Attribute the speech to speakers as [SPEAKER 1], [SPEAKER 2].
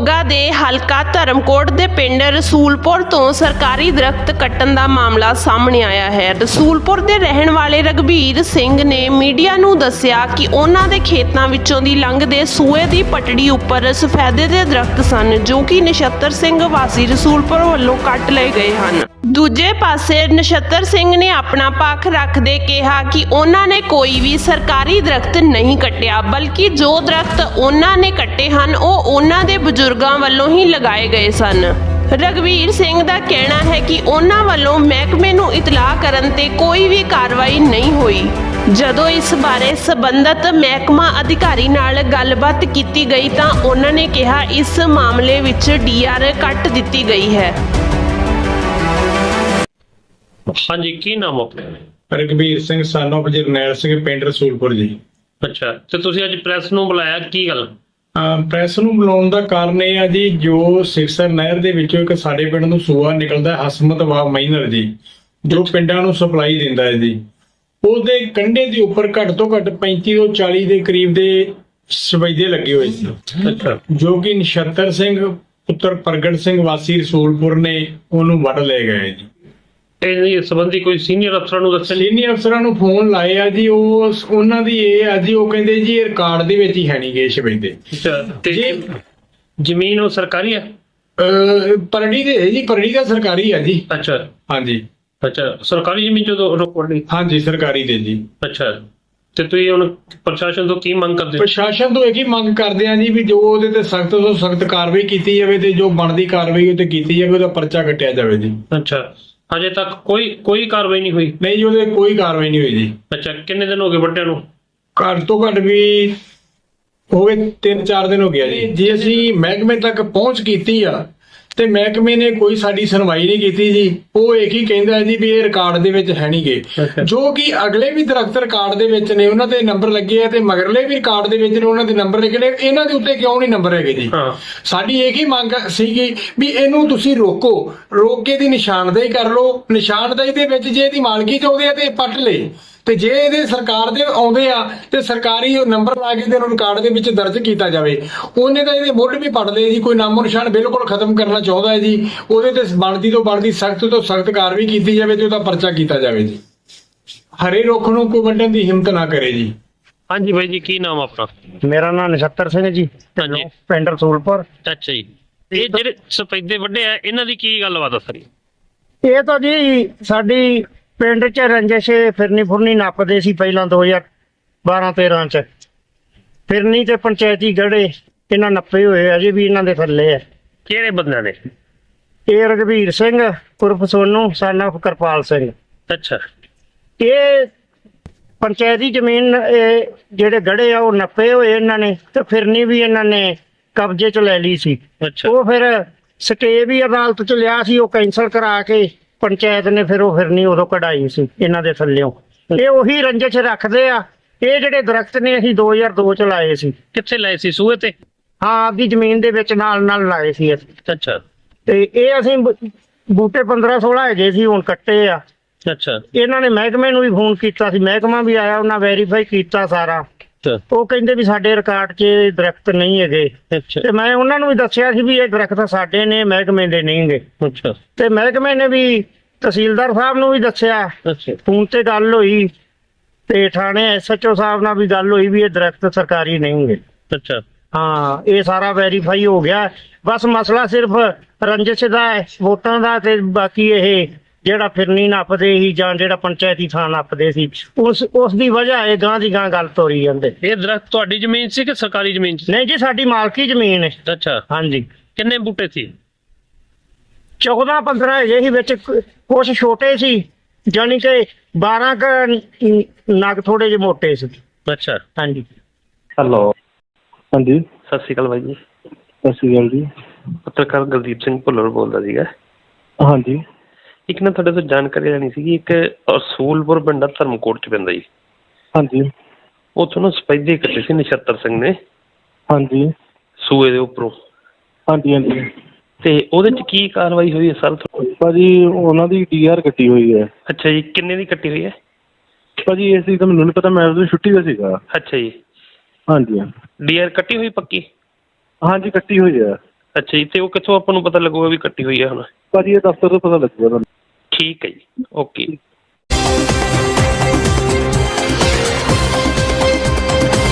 [SPEAKER 1] ਮੋਗਾ ਦੇ ਹਲਕਾ ਧਰਮਕੋਟ ਦੇ ਪਿੰਡ ਰਸੂਲਪੁਰ ਤੋਂ ਸਰਕਾਰੀ ਦਰਖਤ ਕੱਟਣ ਦਾ ਮਾਮਲਾ ਸਾਹਮਣੇ ਆਇਆ ਹੈ। ਰਸੂਲਪੁਰ ਦੇ ਰਹਿਣ ਵਾਲੇ ਰਘਬੀਰ ਸਿੰਘ ਨੇ ਮੀਡੀਆ ਨੂੰ ਦੱਸਿਆ ਕਿ ਉਹਨਾਂ ਦੇ ਖੇਤਾਂ ਵਿੱਚੋਂ ਦੀ ਲੰਘਦੇ ਸੂਏ ਦੀ ਪਟੜੀ ਉੱਪਰ ਸਫੈਦੇ ਦੇ ਦਰਖਤ ਸਨ, ਜੋ ਕਿ ਨਛੱਤਰ ਸਿੰਘ ਵਾਸੀ ਰਸੂਲਪੁਰ ਵੱਲੋਂ ਕੱਟ ਲਏ ਗਏ ਹਨ। ਦੂਜੇ ਪਾਸੇ ਨਛੱਤਰ ਸਿੰਘ ਨੇ ਆਪਣਾ ਪੱਖ ਰੱਖਦੇ ਕਿਹਾ ਕਿ ਉਹਨਾਂ ਨੇ ਕੋਈ ਵੀ ਸਰਕਾਰੀ ਦਰਖਤ ਨਹੀਂ ਕੱਟਿਆ, ਬਲਕਿ ਜੋ ਦਰਖਤ ਉਹਨਾਂ ਨੇ ਕੱਟੇ ਹਨ ਉਹ ਉਹਨਾਂ ਦੇ ਬਜ਼ੁਰਗਾਂ ਵੱਲੋਂ ਹੀ ਲਗਾਏ ਗਏ ਸਨ। ਰਘਬੀਰ ਸਿੰਘ ਦਾ ਕਹਿਣਾ ਹੈ ਕਿ ਉਹਨਾਂ ਵੱਲੋਂ ਮਹਿਕਮੇ ਨੂੰ ਇਤਲਾਹ ਕਰਨ ਤੇ ਕੋਈ ਵੀ ਕਾਰਵਾਈ ਨਹੀਂ ਹੋਈ। ਜਦੋਂ ਇਸ ਬਾਰੇ ਸਬੰਧਤ ਮਹਿਕਮਾ ਅਧਿਕਾਰੀ ਨਾਲ ਗੱਲਬਾਤ ਕੀਤੀ ਗਈ ਤਾਂ ਉਹਨਾਂ ਨੇ ਕਿਹਾ ਇਸ ਮਾਮਲੇ ਵਿੱਚ ਡੀਆਰ ਕੱਟ ਦਿੱਤੀ ਗਈ ਹੈ।
[SPEAKER 2] ਹਾਂਜੀ, ਕੀ ਨਾਮ ਆਪਣਾ?
[SPEAKER 3] ਰਘਬੀਰ ਸਿੰਘ ਸਾਨੋ ਜਰਨੈਲ ਸਿੰਘ, ਪਿੰਡ ਰਸੂਲਪੁਰ ਜੀ।
[SPEAKER 2] ਅੱਛਾ, ਤੇ ਤੁਸੀਂ ਅੱਜ ਪ੍ਰੈਸ ਨੂੰ ਬੁਲਾਇਆ, ਕੀ ਗੱਲ?
[SPEAKER 3] ਪ੍ਰੈਸ ਨੂੰ ਬੁਲਾਉਣ ਦਾ ਕਾਰਨ ਇਹ ਆ ਜੀ, ਜੋ ਸਿਰਸਰ ਨਹਿਰ ਦੇ ਵਿੱਚੋਂ ਇੱਕ ਸਾਡੇ ਪਿੰਡ ਨੂੰ ਸੂਆ ਨਿਕਲਦਾ ਹਸਮਤ ਵਾ ਮਾਈਨਰ ਜੀ, ਜੋ ਪਿੰਡਾਂ ਨੂੰ ਸਪਲਾਈ ਦਿੰਦਾ ਹੈ ਜੀ, ਉਹਦੇ ਕੰਢੇ ਦੇ ਉੱਪਰ ਘੱਟ ਤੋਂ ਘੱਟ 35 ਤੋਂ 40 ਦੇ ਕਰੀਬ ਦੇ ਸਫੈਦੇ ਲੱਗੇ ਹੋਏ ਸੀ।
[SPEAKER 2] ਅੱਛਾ,
[SPEAKER 3] ਜੋ ਕਿ ਨਛੱਤਰ ਸਿੰਘ ਪੁੱਤਰ ਪ੍ਰਗਟ ਸਿੰਘ ਵਾਸੀ ਰਸੂਲਪੁਰ ਨੇ ਉਹਨੂੰ ਵੱਢ ਲੈ ਗਏ ਜੀ।
[SPEAKER 2] ਇਹ ਸੰਬੰਧੀ ਕੋਈ ਸੀਨੀਅਰ ਅਫਸਰਾਂ ਨੂੰ ਦੱਸਿਆ?
[SPEAKER 3] ਸੀਨੀਅਰ ਅਫਸਰਾਂ ਨੂੰ ਫੋਨ ਲਾਏ ਆ ਜੀ, ਉਹਨਾਂ ਦੀ ਇਹ ਆ ਜੀ, ਉਹ ਕਹਿੰਦੇ ਜੀ ਇਹ ਰਿਕਾਰਡ ਦੇ ਵਿੱਚ ਹੀ ਹੈ ਨਹੀਂ ਗੇ ਸਫੈਦੇ।
[SPEAKER 2] ਅੱਛਾ, ਤੇ ਜ਼ਮੀਨ ਉਹ ਸਰਕਾਰੀ ਹੈ?
[SPEAKER 3] ਪਰੜੀ ਦੇ ਜੀ, ਪਰੜੀ ਦਾ ਸਰਕਾਰੀ ਆ ਜੀ।
[SPEAKER 2] ਅੱਛਾ
[SPEAKER 3] ਹਾਂਜੀ,
[SPEAKER 2] ਅੱਛਾ, ਸਰਕਾਰੀ ਜ਼ਮੀਨ ਜਦੋਂ ਰੋਕ ਲਈ?
[SPEAKER 3] ਹਾਂਜੀ ਸਰਕਾਰੀ ਦੇ ਜੀ।
[SPEAKER 2] ਅੱਛਾ, ਤੇ ਤੁਸੀਂ ਹੁਣ ਪ੍ਰਸ਼ਾਸਨ ਤੋਂ ਕੀ ਮੰਗ ਕਰਦੇ ਹੋ?
[SPEAKER 3] ਪ੍ਰਸ਼ਾਸਨ ਤੋਂ ਇਹ ਹੀ ਮੰਗ ਕਰਦੇ ਆ ਜੀ ਵੀ ਜੋ ਉਹਦੇ ਤੇ ਸਖਤ ਤੋਂ ਸਖਤ ਕਾਰਵਾਈ ਕੀਤੀ ਜਾਵੇ ਤੇ ਜੋ ਬਣਦੀ ਕਾਰਵਾਈ ਉਹ ਤੇ ਕੀਤੀ ਜਾਵੇ, ਉਹਦਾ ਪਰਚਾ ਕੱਟਿਆ ਜਾਵੇ ਜੀ।
[SPEAKER 2] ਅੱਛਾ, ਹਜੇ ਤੱਕ ਕੋਈ ਕਾਰਵਾਈ ਨਹੀਂ ਹੋਈ?
[SPEAKER 3] ਨਹੀਂ ਜੀ, ਉਹਦੇ ਕੋਈ ਕਾਰਵਾਈ ਨਹੀਂ ਹੋਈ ਜੀ।
[SPEAKER 2] ਅੱਛਾ, ਕਿੰਨੇ ਦਿਨ ਹੋ ਗਏ ਵੱਡਿਆਂ ਨੂੰ?
[SPEAKER 3] ਘੱਟ ਤੋਂ ਘੱਟ ਵੀ ਹੋ ਗਏ 3-4 ਦਿਨ ਹੋ ਗਿਆ ਜੀ। ਜੇ ਅਸੀਂ ਮਹਿਕਮੇ ਤੱਕ ਪਹੁੰਚ ਕੀਤੀ ਆ ਤੇ ਮਹਿਕਮੇ ਨੇ ਕੋਈ ਸਾਡੀ ਸੁਣਵਾਈ ਨਹੀਂ ਕੀਤੀ ਜੀ। ਉਹ ਇੱਕ ਹੀ ਕਹਿੰਦਾ ਜੀ ਵੀ ਇਹ ਰਿਕਾਰਡ ਦੇ ਵਿੱਚ ਹੈ ਨਹੀਂ ਗੇ, ਜੋ ਕਿ ਅਗਲੇ ਵੀ ਦਰਖਤ ਰਿਕਾਰਡ ਦੇ ਵਿੱਚ ਨੇ, ਉਹਨਾਂ ਦੇ ਨੰਬਰ ਲੱਗੇ ਆ, ਤੇ ਮਗਰਲੇ ਵੀ ਰਿਕਾਰਡ ਦੇ ਵਿੱਚ ਨੇ, ਉਹਨਾਂ ਦੇ ਨੰਬਰ ਲੱਗੇ ਨੇ। ਇਹਨਾਂ ਦੇ ਉੱਤੇ ਕਿਉਂ ਨਹੀਂ ਨੰਬਰ ਹੈਗੇ ਜੀ? ਸਾਡੀ ਇੱਕ ਹੀ ਮੰਗ ਸੀਗੀ ਵੀ ਇਹਨੂੰ ਤੁਸੀਂ ਰੋਕ ਕੇ ਦੀ ਨਿਸ਼ਾਨਦੇਹੀ ਕਰ ਲਓ। ਨਿਸ਼ਾਨਦੇਹੀ ਦੇ ਵਿੱਚ ਜੇ ਇਹਦੀ ਮਾਲਕੀ ਚਾਹੁੰਦੇ ਆ ਤੇ ਪੱਟ ਲੇ, ਤੇ ਜੇ ਇਹਦੇ ਸਰਕਾਰ ਦੇ ਆਉਂਦੇ ਆ ਤੇ ਸਰਕਾਰੀ ਨੰਬਰ ਲਾ ਕੇ ਤੇ ਉਹਨੂੰ ਰਿਕਾਰਡ ਦੇ ਵਿੱਚ ਦਰਜ ਕੀਤਾ ਜਾਵੇ। ਉਹਨੇ ਤਾਂ ਇਹਦੇ ਮੁੱਢ ਵੀ ਪੱਟ ਲਏ ਜੀ, ਕੋਈ ਨਾਮੋ ਨਿਸ਼ਾਨ ਬਿਲਕੁਲ ਖਤਮ ਕਰਨਾ ਚਾਹੁੰਦਾ ਹੈ ਜੀ। ਉਹਦੇ ਤੇ ਬਣਦੀ ਤੋਂ ਬਣਦੀ ਸਖਤ ਤੋਂ ਸਖਤ ਕਾਰਵਾਈ ਕੀਤੀ ਜਾਵੇ ਤੇ ਉਹਦਾ ਪਰਚਾ ਕੀਤਾ ਜਾਵੇ ਜੀ। ਹਰੇ ਰੁੱਖ ਨੂੰ ਕੋਈ ਵੱਢਣ ਦੀ ਹਿੰਮਤ ਨਾ ਕਰੇ ਜੀ।
[SPEAKER 2] ਹਾਂਜੀ ਬਾਈ ਜੀ, ਕੀ ਨਾਮ ਆਪਣਾ?
[SPEAKER 4] ਮੇਰਾ ਨਾਮ ਨਛੱਤਰ ਸਿੰਘ ਜੀ,
[SPEAKER 2] ਹਾਂਜੀ,
[SPEAKER 4] ਪਿੰਡ ਰਸੂਲਪੁਰ।
[SPEAKER 2] ਅੱਛਾ ਜੀ, ਇਹ ਜਿਹੜੇ ਸਫੈਦੇ ਵੱਡੇ ਆ ਇਹਨਾਂ ਦੀ ਕੀ ਗੱਲਬਾਤ ਆ ਸਾਰੀ?
[SPEAKER 4] ਇਹ ਤਾਂ ਜੀ ਸਾਡੀ ਪਿੰਡ 'ਚ ਰੰਜਿਸ਼ ਫਿਰਨੀ ਫੁਰਨੀ ਨੱਪਦੇ ਸੀ ਪਹਿਲਾਂ 2012-13 ਚ। ਫਿਰਨੀ ਤੇ ਪੰਚਾਇਤੀ ਗੜੇ ਇਹਨਾਂ ਨੱਪੇ ਹੋਏ ਅਜੇ ਵੀ ਇਹਨਾਂ ਦੇ ਥੱਲੇ ਆ।
[SPEAKER 2] ਕਿਹੜੇ ਬੰਦਿਆਂ ਨੇ?
[SPEAKER 4] ਇਹ ਰਘਬੀਰ ਸਿੰਘ ਉਰਫ ਸੋਨੂ son of ਕਿਰਪਾਲ ਸਿੰਘ।
[SPEAKER 2] ਅੱਛਾ,
[SPEAKER 4] ਇਹ ਪੰਚਾਇਤੀ ਜ਼ਮੀਨ ਜਿਹੜੇ ਗੜੇ ਆ ਉਹ ਨੱਪੇ ਹੋਏ ਇਹਨਾਂ ਨੇ, ਤੇ ਫਿਰਨੀ ਵੀ ਇਹਨਾਂ ਨੇ ਕਬਜ਼ੇ 'ਚ ਲੈ ਲਈ ਸੀ।
[SPEAKER 2] ਅੱਛਾ,
[SPEAKER 4] ਉਹ ਫਿਰ ਸਟੇ ਵੀ ਅਦਾਲਤ 'ਚ ਲਿਆ ਸੀ, ਉਹ ਕੈਂਸਲ ਕਰਾ ਕੇ ਪੰਚਾਇਤ ਨੇ ਫਿਰ ਉਹ ਫਿਰਨੀ ਉਦੋਂ ਕਢਾਈ ਸੀ ਇਹਨਾਂ ਦੇ ਥੱਲਿਓਂ। ਇਹ ਉਹੀ ਰੰਜਿਸ਼ ਰੱਖਦੇ ਆ। ਇਹ ਜਿਹੜੇ ਦਰਖਤ ਨੇ ਅਸੀਂ 2002 ਚ ਲਾਏ ਸੀ।
[SPEAKER 2] ਕਿੱਥੇ ਲਾਏ ਸੀ? ਸੂਏ ਤੇ?
[SPEAKER 4] ਹਾਂ, ਆਪਦੀ ਜ਼ਮੀਨ ਦੇ ਵਿੱਚ ਨਾਲ ਲਾਏ ਸੀ ਅਸੀਂ।
[SPEAKER 2] ਅੱਛਾ,
[SPEAKER 4] ਤੇ ਇਹ ਅਸੀਂ ਬੂਟੇ 15-16 ਹੈਗੇ ਸੀ, ਹੁਣ ਕੱਟੇ ਆ।
[SPEAKER 2] ਅੱਛਾ,
[SPEAKER 4] ਇਹਨਾਂ ਨੇ ਮਹਿਕਮੇ ਨੂੰ ਵੀ ਫੋਨ ਕੀਤਾ ਸੀ, ਮਹਿਕਮਾ ਵੀ ਆਇਆ, ਉਹਨਾਂ ਵੈਰੀਫਾਈ ਕੀਤਾ ਸਾਰਾ। ਉਹ ਕਹਿੰਦੇ ਵੀ ਸਾਡੇ ਰਿਕਾਰਡ 'ਚ ਦਰਖਤ ਨਹੀਂ ਹੈਗੇ। ਤੇ ਮੈਂ ਉਹਨਾਂ ਨੂੰ ਵੀ ਦੱਸਿਆ ਸੀ ਵੀ ਇਹ ਦਰਖਤ ਸਾਡੇ ਨੇ, ਮਹਿਕਮੇ ਦੇ ਨਹੀਂ ਗੇ।
[SPEAKER 2] ਅੱਛਾ, ਤੇ
[SPEAKER 4] ਮਹਿਕਮੇ ਨੇ ਵੀ ਤਹਿਸੀਲਦਾਰ ਸਾਹਿਬ ਨੂੰ ਵੀ ਦੱਸਿਆ, ਫੋਨ ਤੇ ਗੱਲ ਹੋਈ, ਤੇ ਥਾਣੇ SHO ਸਾਹਿਬ ਨਾਲ ਵੀ ਗੱਲ ਹੋਈ ਵੀ ਇਹ ਦਰਖਤ ਸਰਕਾਰੀ ਨਹੀਂ ਗੇ।
[SPEAKER 2] ਅੱਛਾ,
[SPEAKER 4] ਹਾਂ, ਇਹ ਸਾਰਾ ਵੈਰੀਫਾਈ ਹੋ ਗਿਆ। ਬਸ ਮਸਲਾ ਸਿਰਫ ਰੰਜਿਸ਼ ਦਾ ਹੈ, ਵੋਟਾਂ ਦਾ, ਤੇ ਬਾਕੀ ਇਹ ਜਿਹੜਾ ਫਿਰਨੀ ਨੱਪਦੇ ਸੀ ਜਾਂ ਜਿਹੜਾ ਪੰਚਾਇਤੀ ਥਾਂ ਨੱਪਦੇ ਸੀ, ਉਸ ਦੀ ਵਜ੍ਹਾ ਇਹ ਗਾਂ ਦੀ ਗਾਂ ਗੱਲ ਤੋਰੀ ਜਾਂਦੇ।
[SPEAKER 2] ਇਹ ਦਰਖਤ ਤੁਹਾਡੀ ਜ਼ਮੀਨ ਸੀ ਕਿ ਸਰਕਾਰੀ ਜ਼ਮੀਨ ਸੀ?
[SPEAKER 4] ਨਹੀਂ ਜੀ, ਸਾਡੀ ਮਾਲਕੀ ਜ਼ਮੀਨ ਹੈ।
[SPEAKER 2] ਅੱਛਾ,
[SPEAKER 4] ਹਾਂਜੀ।
[SPEAKER 2] ਕਿੰਨੇ ਬੂਟੇ ਸੀ?
[SPEAKER 4] 14-15 ਹੈਗੇ ਸੀ, ਵਿੱਚ ਕੁਛ ਛੋਟੇ ਸੀ, ਜਾਨੀ ਕਿ 12 ਕ ਨਗ ਥੋੜੇ ਜਿਹੇ ਮੋਟੇ ਸੀ।
[SPEAKER 2] ਅੱਛਾ,
[SPEAKER 4] ਹਾਂਜੀ।
[SPEAKER 5] ਹੈਲੋ, ਹਾਂਜੀ,
[SPEAKER 2] ਸਤਿ ਸ਼੍ਰੀ ਅਕਾਲ ਬਾਈ ਜੀ।
[SPEAKER 5] ਸਤਿ ਸ਼੍ਰੀ ਅਕਾਲ ਜੀ।
[SPEAKER 2] ਪੱਤਰਕਾਰ ਗੁਰਦੀਪ ਸਿੰਘ ਭੁੱਲਰ ਬੋਲਦਾ ਸੀਗਾ।
[SPEAKER 5] ਹਾਂਜੀ,
[SPEAKER 2] ਇੱਕ ਨਾ ਤੁਹਾਡੇ ਤੋਂ ਜਾਣਕਾਰੀ ਲੈਣੀ ਸੀਗੀ। ਇੱਕ ਰਸੂਲਪੁਰ ਪਿੰਡ ਧਰਮਕੋਟ ਚ ਪੈਂਦਾ ਜੀ।
[SPEAKER 5] ਹਾਂਜੀ,
[SPEAKER 2] ਉੱਥੋਂ ਨਾ ਸਫੈਦੇ ਕੱਟੇ ਸੀ ਨਛੱਤਰ ਸਿੰਘ ਨੇ।
[SPEAKER 5] ਹਾਂਜੀ,
[SPEAKER 2] ਸੂਏ ਦੇ ਉੱਪਰੋਂ।
[SPEAKER 5] ਹਾਂਜੀ ਹਾਂਜੀ।
[SPEAKER 2] ਤੇ ਉਹਦੇ ਚ ਕੀ ਕਾਰਵਾਈ ਹੋਈ ਹੈ ਸਰ?
[SPEAKER 5] ਭਾਜੀ ਉਹਨਾਂ ਦੀ DR ਕੱਟੀ ਹੋਈ ਹੈ।
[SPEAKER 2] ਅੱਛਾ ਜੀ, ਕਿੰਨੇ ਦੀ ਕੱਟੀ ਹੋਈ ਹੈ?
[SPEAKER 5] ਭਾਜੀ ਇਸ ਚੀਜ਼ ਤਾਂ ਮੈਨੂੰ ਨਹੀਂ ਪਤਾ, ਮੈਂ ਉਦੋਂ ਛੁੱਟੀ ਦਾ ਸੀਗਾ।
[SPEAKER 2] ਅੱਛਾ ਜੀ,
[SPEAKER 5] ਹਾਂਜੀ।
[SPEAKER 2] DR ਕੱਟੀ ਹੋਈ ਪੱਕੀ?
[SPEAKER 5] ਹਾਂਜੀ, ਕੱਟੀ ਹੋਈ ਹੈ।
[SPEAKER 2] ਅੱਛਾ ਜੀ, ਤੇ ਉਹ ਕਿੱਥੋਂ ਆਪਾਂ ਨੂੰ ਪਤਾ ਲੱਗੂਗਾ ਵੀ ਕੱਟੀ ਹੋਈ ਹੈ ਹੁਣ?
[SPEAKER 5] ਭਾਜੀ ਇਹ ਦਫ਼ਤਰ ਤੋਂ ਪਤਾ ਲੱਗੂਗਾ ਤੁਹਾਨੂੰ।
[SPEAKER 2] ਠੀਕ ਹੈ ਜੀ, ਓਕੇ।